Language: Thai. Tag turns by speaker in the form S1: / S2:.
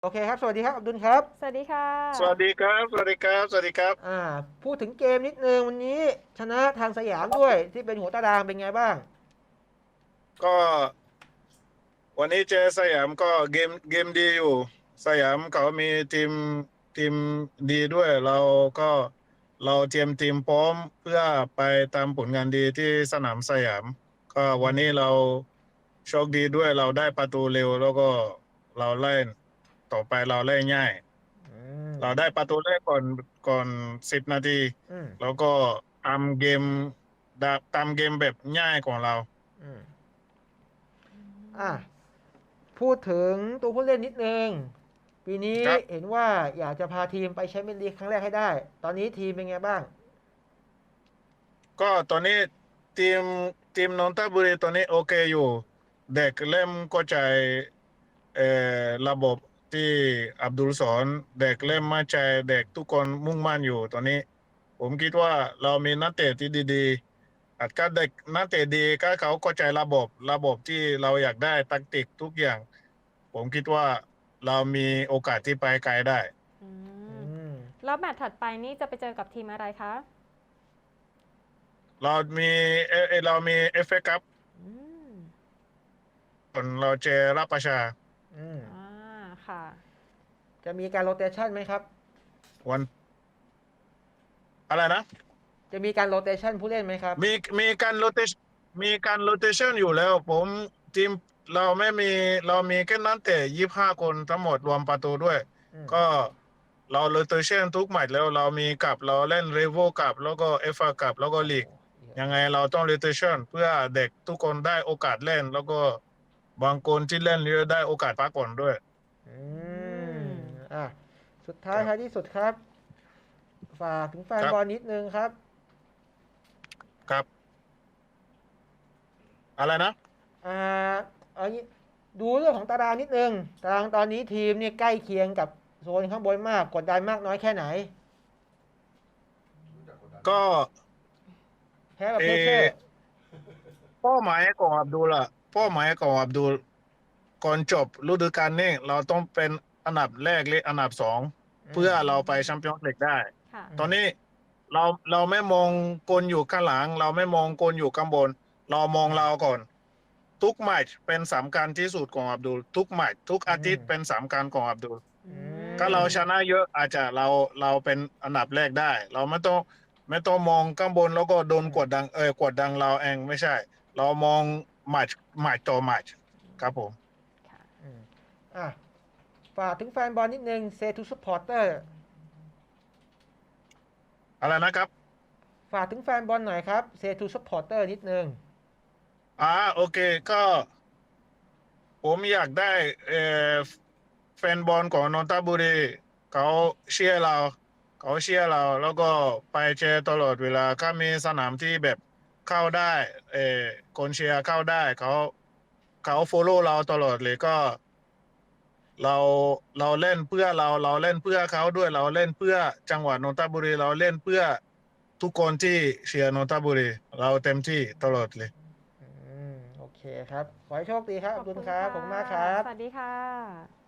S1: โอเคครับสวัสดีครับอับดุลครับ
S2: สวัสดีค่ะ
S3: สวัสดีครับสวัสดีครับสวัสดีครับ
S1: อ่าพูดถึงเกมนิดนึงวันนี้ชนะทางสยามด้วยที่เป็นหัวตารางเป็นไงบ้าง
S3: ก็วันนี้เจอสยามก็เกมดีอยู่สยามเขามีทีมดีด้วยก็เราเตรียมทีมพร้อมเพื่อไปตามผลงานดีที่สนามสยามก็วันนี้เราโชคดีด้วยเราได้ประตูเร็วแล้วก็เราเล่นต่อไปเราเล่นง่าย
S1: อืม
S3: เราได้ประตูแรกก่อน10 นาที
S1: อืม
S3: แล้วก็ตามเกมตามเกมแบบง่ายของเรา
S1: อืมอ่ะพูดถึงตัวผู้เล่นนิดนึงปีนี้
S3: ครับ
S1: เห็นว่าอยากจะพาทีมไปแชมเปี้ยนลีกครั้งแรกให้ได้ตอนนี้ทีมเป็นไงบ้าง
S3: ก็ตอนนี้ทีมทีมนนทบุรีตอนนี้โอเคอยู่เด็กเริ่มเข้าใจเอ่อระบบที่อับดุลสอนเด็กเริ่มมั่นใจเด็กทุกคนมุ่งมั่นอยู่ตอนนี้ผมคิดว่าเรามีนักเตะที่ดีๆอาจก็เด็กนักเตะดีก็เขาเข้าใจระบบที่เราอยากได้แทคติกทุกอย่างผมคิดว่าเรามีโอกาสที่ไปไกลได้
S2: อื
S1: อื
S2: ม
S1: ม
S2: แล้วแมตช์ถัดไปนี่จะไปเจอกับทีมอะไรคะ
S3: เรามีเรามีเอฟเอคัพ
S2: อืม
S3: เราเจอรับประชา
S1: อืม
S2: อ่าค่ะ
S1: จะมีการโรเตชันไหมครับ
S3: วันอะไรนะ
S1: จะมีการโรเตชันผู้เล่นไหมครับ
S3: มีมีการโรเตชมีการโรเตชันอยู่แล้วผมทีมเราไม่มีเรามีแค่นักเตะ25 คนทั้งหมดรวมประตูด้วย
S1: อืม
S3: ก็เราโรเตชันทุกแมตช์แล้วเรามีกับเราเล่นเรโวกับแล้วก็เอฟเอกับแล้วก็
S1: โอ้โห
S3: ลีก
S1: เยอะ
S3: ยังไงเราต้องโรเตชันเพื่อเด็กทุกคนได้โอกาสเล่นแล้วก็บางคนที่เล่นเยอะได้โอกาสพักผ่อนด้วย
S1: อื
S2: อื
S1: ม
S2: ม
S1: อ่ะสุดท้ายท้าย
S3: ครับ
S1: ที่สุดครับฝากถึงแฟ
S3: ครับ
S1: นบอลนิดนึงครับ
S3: ครับอะไรนะ
S1: อ่าเอางี้ดูเรื่องของตารางนิดนึงตารางตอนนี้ทีมเนี่ยใกล้เคียงกับโซนข้างบนมากกดดันมากน้อยแค่ไหน
S3: ก็
S1: แพ้กับ
S3: เอ
S1: เพเชอร์
S3: อ เป้าหมายของอับดุลอะเป้าหมายของอับดุลก่อนจบฤดูกาลนี้เราต้องเป็นอันดับแรกหรืออันดับสอง
S1: อืม
S3: เพื่อ
S2: อื
S3: เราไปแชม
S2: ม
S3: เปี้ยนส์ลีกได้
S2: ค่ะ
S1: อืม
S3: ตอนนี้เราไม่มองคนอยู่ข้างหลังเราไม่มองคนอยู่ข้างบนเรามอง
S1: อืม
S3: เราก่อนทุกแมตช์เป็นสำคัญที่สุดของอับดุลทุกแมตช์ทุกอา
S1: อืม
S3: ทิตย์เป็นสำคัญของอับดุล
S2: อื
S1: อื
S3: ถ้า
S1: ม
S3: เราชนะเยอะอาจจะเราเป็นอันดับแรกได้เราไม่ต้องมองข้างบนแล้วก็โดน
S1: อืม
S3: กดดันเราเองไม่ใช่เรามองแมตช์ต่อแมตช์ครับผม
S2: ค่ะ
S1: อืมอ่ะฝากถึงแฟนบอลนิดนึง say to supporter
S3: อะไรนะครับ
S1: ฝากถึงแฟนบอลหน่อยครับ say to supporter นิดนึง
S3: โอเคก็ผมอยากได้เอ่อแฟนบอลของนนทบุรีเขาเชียร์เราเขาเชียร์เราแล้วก็ไปเชียร์ตลอดเวลาถ้ามีสนามที่แบบเข้าได้เอ่อคนเชียร์เข้าได้เขาฟอลโล่เราตลอดเลยก็ เราเราเล่นเพื่อเราเล่นเพื่อเขาด้วยเราเล่นเพื่อจังหวัดนนทบุรีเราเล่นเพื่อทุกคนที่เชียร์นนทบุรีเราเต็มที่ตลอดเลย
S1: อืมโอเคครับขอให้โชคดีครับ
S2: ข
S1: อับดุล
S2: อบคุณค่ะ
S1: ครับขอบคุณมากครับ
S2: สวัสดีค่ะ